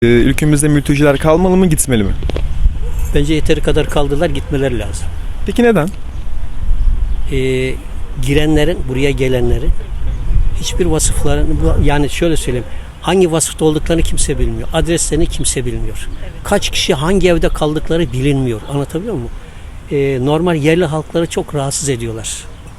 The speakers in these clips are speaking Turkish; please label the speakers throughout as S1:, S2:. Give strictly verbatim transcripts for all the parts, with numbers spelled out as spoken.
S1: Ülkemizde mülteciler kalmalı mı, gitmeli mi?
S2: Bence yeteri kadar kaldılar, gitmeleri lazım.
S1: Peki neden?
S2: Ee, girenlerin, buraya gelenlerin hiçbir vasıflarını, yani şöyle söyleyeyim, hangi vasıfta olduklarını kimse bilmiyor. Adreslerini kimse bilmiyor. Evet. Kaç kişi hangi evde kaldıkları bilinmiyor. Anlatabiliyor muyum? Ee, normal yerli halkları çok rahatsız ediyorlar.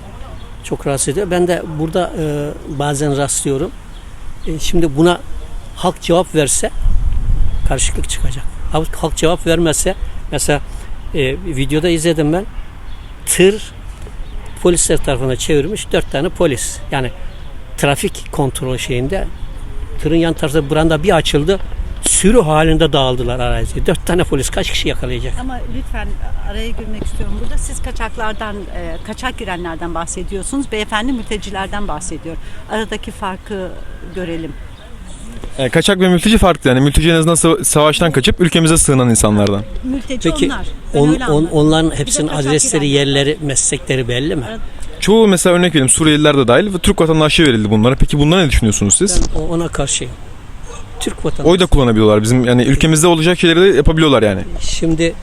S2: Çok rahatsız ediyor. Ben de burada e, bazen rastlıyorum. E, şimdi buna halk cevap verse karışıklık çıkacak. Halk, halk cevap vermezse, mesela e, videoda izledim ben, tır polisler tarafına çevirmiş dört tane polis. Yani trafik kontrol şeyinde tırın yan tarafında branda bir açıldı, sürü halinde dağıldılar araziye. Dört tane polis kaç kişi yakalayacak?
S3: Ama lütfen araya girmek istiyorum burada. Siz kaçaklardan, e, kaçak girenlerden bahsediyorsunuz. Beyefendi mültecilerden bahsediyor. Aradaki farkı görelim.
S1: Yani kaçak ve mülteci farklı, yani mülteci en azından savaştan kaçıp ülkemize sığınan insanlardan.
S3: Mülteci
S2: Peki,
S3: onlar. Ben
S2: on,
S3: öyle
S2: on,
S3: anladım.
S2: onların hepsinin adresleri,
S3: girenler
S2: yerleri, meslekleri belli mi?
S1: Çoğu, mesela örnek vereyim, Suriyeliler de dahil ve Türk vatandaşı verildi bunlara. Peki bunlara ne düşünüyorsunuz siz?
S2: Ben ona karşıyım. Türk vatandaşı.
S1: Oy da kullanabiliyorlar. Bizim yani ülkemizde olacak şeyleri de yapabiliyorlar yani.
S2: Şimdi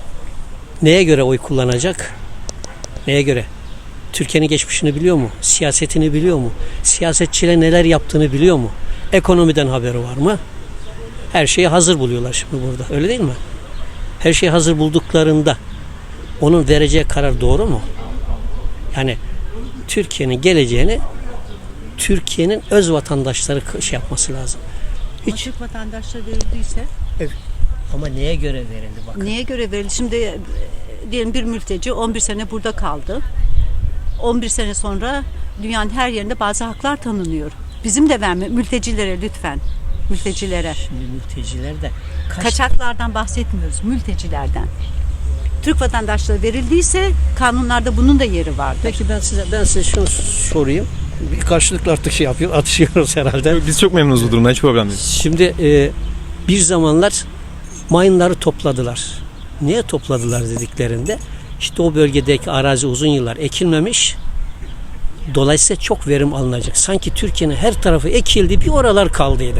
S2: neye göre oy kullanacak? Neye göre? Türkiye'nin geçmişini biliyor mu? Siyasetini biliyor mu? Siyasetçiler neler yaptığını biliyor mu? Ekonomiden haberi var mı? Her şeyi hazır buluyorlar şimdi burada. Öyle değil mi? Her şeyi hazır bulduklarında onun vereceği karar doğru mu? Yani Türkiye'nin geleceğini Türkiye'nin öz vatandaşları şey yapması lazım.
S3: Hiç. Türk vatandaşları verildiyse?
S2: Evet. Ama neye göre verildi bakın.
S3: Neye göre verildi? Şimdi e, diyelim bir mülteci on bir sene burada kaldı. on bir sene sonra dünyanın her yerinde bazı haklar tanınıyor. Bizim de verme mültecilere lütfen. Mültecilere.
S2: Şimdi mülteciler de kaç...
S3: Kaçaklardan bahsetmiyoruz, mültecilerden. Türk vatandaşları verildiyse kanunlarda bunun da yeri vardır.
S2: Peki ben size ben size şunu sorayım. Bir karşılıklı artık şey yapıyor, atışıyoruz herhalde.
S1: Biz çok memnunuz bu durumdan, hiç problem değil.
S2: Şimdi e, bir zamanlar mayınları topladılar. Niye topladılar dediklerinde, işte o bölgedeki arazi uzun yıllar ekilmemiş. Dolayısıyla çok verim alınacak. Sanki Türkiye'nin her tarafı ekildi, bir oralar kaldıydı.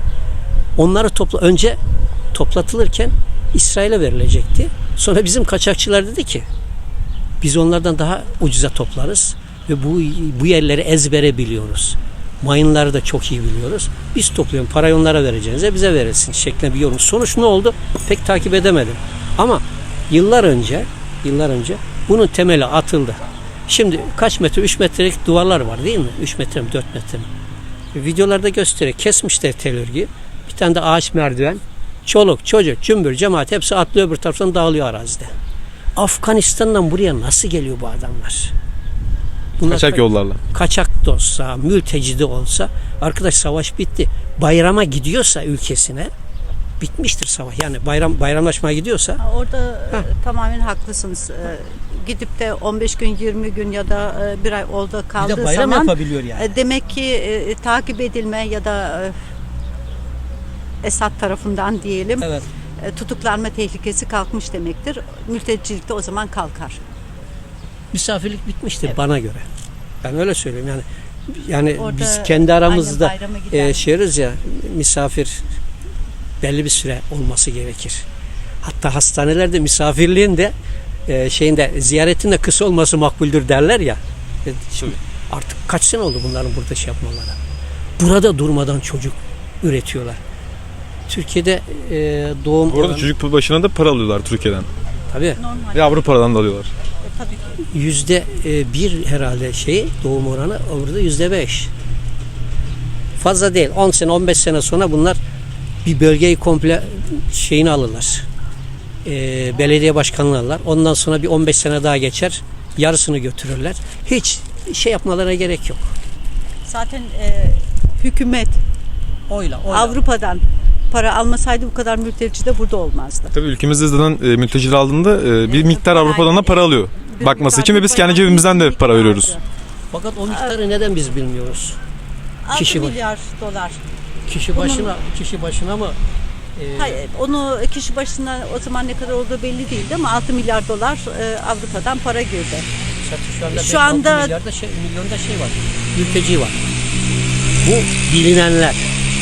S2: Onları topla önce toplatılırken İsrail'e verilecekti. Sonra bizim kaçakçılar dedi ki biz onlardan daha ucuza toplarız ve bu bu yerleri ezbere biliyoruz. Mayınları da çok iyi biliyoruz. Biz topluyoruz, parayı onlara vereceğinize bize verilsin şeklinde bir yorum. Sonuç ne oldu? Pek takip edemedim. Ama yıllar önce, yıllar önce bunun temeli atıldı. Şimdi kaç metre? üç metrelik duvarlar var değil mi? üç metre mi? dört metre mi? Videolarda gösteriyor. Kesmişler tel örgüyü. Bir tane de ağaç merdiven. Çoluk, çocuk, cümbür, cemaat hepsi atlıyor, öbür taraftan dağılıyor arazide. Afganistan'dan buraya nasıl geliyor bu adamlar? Bunlar
S1: Kaçak yollarla.
S2: Kaçak da olsa, mülteci de olsa, arkadaş savaş bitti. Bayrama gidiyorsa ülkesine bitmiştir savaş. Yani bayram bayramlaşmaya gidiyorsa.
S3: Orada e, tamamen haklısınız. E, gidip de on beş gün, yirmi gün ya da e, bir ay orada kaldığı
S2: Bir de bayram
S3: zaman
S2: yapabiliyor yani.
S3: e, demek ki e, takip edilme ya da e, Esad tarafından diyelim
S2: Evet.
S3: e, tutuklanma tehlikesi kalkmış demektir. Mültecilik de o zaman kalkar.
S2: Misafirlik bitmiştir
S3: Evet.
S2: bana göre. Ben öyle söyleyeyim yani. Yani
S3: Orada
S2: biz kendi aramızda
S3: aynen bayrama giden-
S2: e, şeyiz ya, misafir belli bir süre olması gerekir. Hatta hastanelerde misafirliğin de e, şeyinde ziyaretin de kısa olması makbuldür derler ya. E, şimdi artık kaç sene oldu bunların burada şey yapmaları. Burada durmadan çocuk üretiyorlar. Türkiye'de e, doğum
S1: Bu arada
S2: oranı-
S1: çocuk başına da para alıyorlar Türkiye'den.
S2: tabii
S3: Normal.
S1: Ve Avrupa'dan da alıyorlar.
S3: E, tabii ki.
S2: yüzde e, bir herhalde şey doğum oranı, orada yüzde beş. Fazla değil. on sene on beş sene sonra bunlar bir bölgeyi komple şeyini alırlar. E, belediye başkanlığı alırlar. Ondan sonra bir on beş sene daha geçer. Yarısını götürürler. Hiç şey yapmalarına gerek yok.
S3: Zaten e, hükümet
S2: Oyla,
S3: Avrupa'dan para almasaydı bu kadar mülteci de burada olmazdı.
S1: Tabii ülkemizde zaten e, mülteciler aldığında e, bir
S3: Evet,
S1: miktar
S3: parayla-
S1: Avrupa'dan da para alıyor.
S3: Bir
S1: Bakması için ve biz
S3: miktar
S1: kendi
S3: bayağı
S1: cebimizden de
S3: bir
S1: para
S3: miktardı.
S1: veriyoruz.
S2: Fakat o miktarı neden biz bilmiyoruz?
S3: altı
S2: Kişi başı.
S3: milyar dolar.
S2: Kişi başına kişi başına mı? E,
S3: Hayır, onu kişi başına o zaman ne kadar olduğu belli değildi ama altı milyar dolar e, Avrupa'dan para girdi.
S2: Şu anda,
S3: Şu anda-
S2: altı milyarda şey, milyonda şey var. Mülteci var. Bu bilinenler.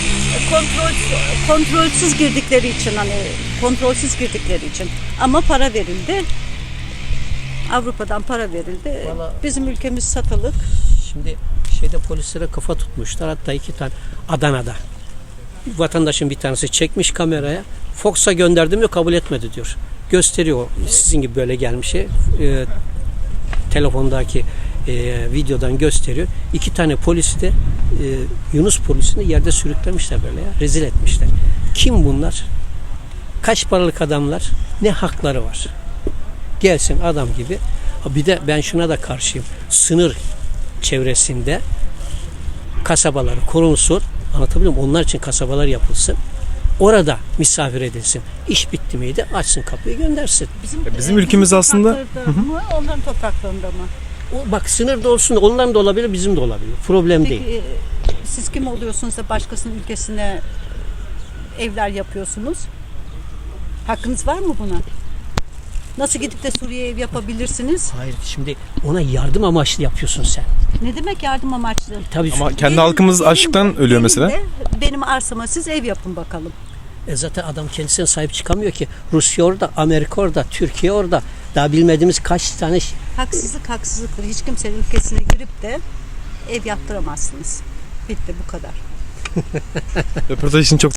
S3: kontrol kontrolsüz girdikleri için, hani kontrolsüz girdikleri için, ama para verildi. Avrupa'dan para verildi.
S2: Vallahi-
S3: Bizim ülkemiz satılık.
S2: Şimdi şeyde polislere kafa tutmuşlar. Hatta iki tane Adana'da. Vatandaşın bir tanesi çekmiş kameraya. Fox'a gönderdim diyor, kabul etmedi diyor. Gösteriyor. Sizin gibi böyle gelmiş şey. E, telefondaki e, videodan gösteriyor. İki tane polisi de e, Yunus polisini yerde sürüklemişler böyle ya. Rezil etmişler. Kim bunlar? Kaç paralık adamlar? Ne hakları var? Gelsin adam gibi. Ha, bir de ben şuna da karşıyım. Sınır çevresinde kasabaları korunsun. Anlatabiliyor muyum? Onlar için kasabalar yapılsın. Orada misafir edilsin. İş bitti miydi? Açsın kapıyı, göndersin.
S3: Bizim,
S1: Ya bizim ülkemiz aslında-
S3: topraklarda mı, onların topraklarında mı?
S2: O, bak sınırda olsun, onların da olabilir, bizim de olabilir. Problem değil.
S3: Peki e, siz kim oluyorsunuz da başkasının ülkesine evler yapıyorsunuz? Hakkınız var mı buna? Nasıl gidip de Suriye'ye ev yapabilirsiniz?
S2: Hayır, şimdi ona yardım amaçlı yapıyorsun sen.
S3: Ne demek yardım amaçlı?
S2: Tabii
S1: Ama kendi
S3: Benim-
S1: halkımız
S3: benim
S1: açlıktan
S3: de-
S1: ölüyor
S3: benim
S1: mesela.
S3: de benim arsama siz ev yapın bakalım.
S2: e zaten adam kendisine sahip çıkamıyor ki. Rusya orada, Amerika orada, Türkiye orada. Daha bilmediğimiz kaç tane şey-
S3: Haksızlık haksızlıktır. Hiç kimsenin ülkesine girip de ev yaptıramazsınız. Bitti, bu kadar.
S1: Röportaj için çok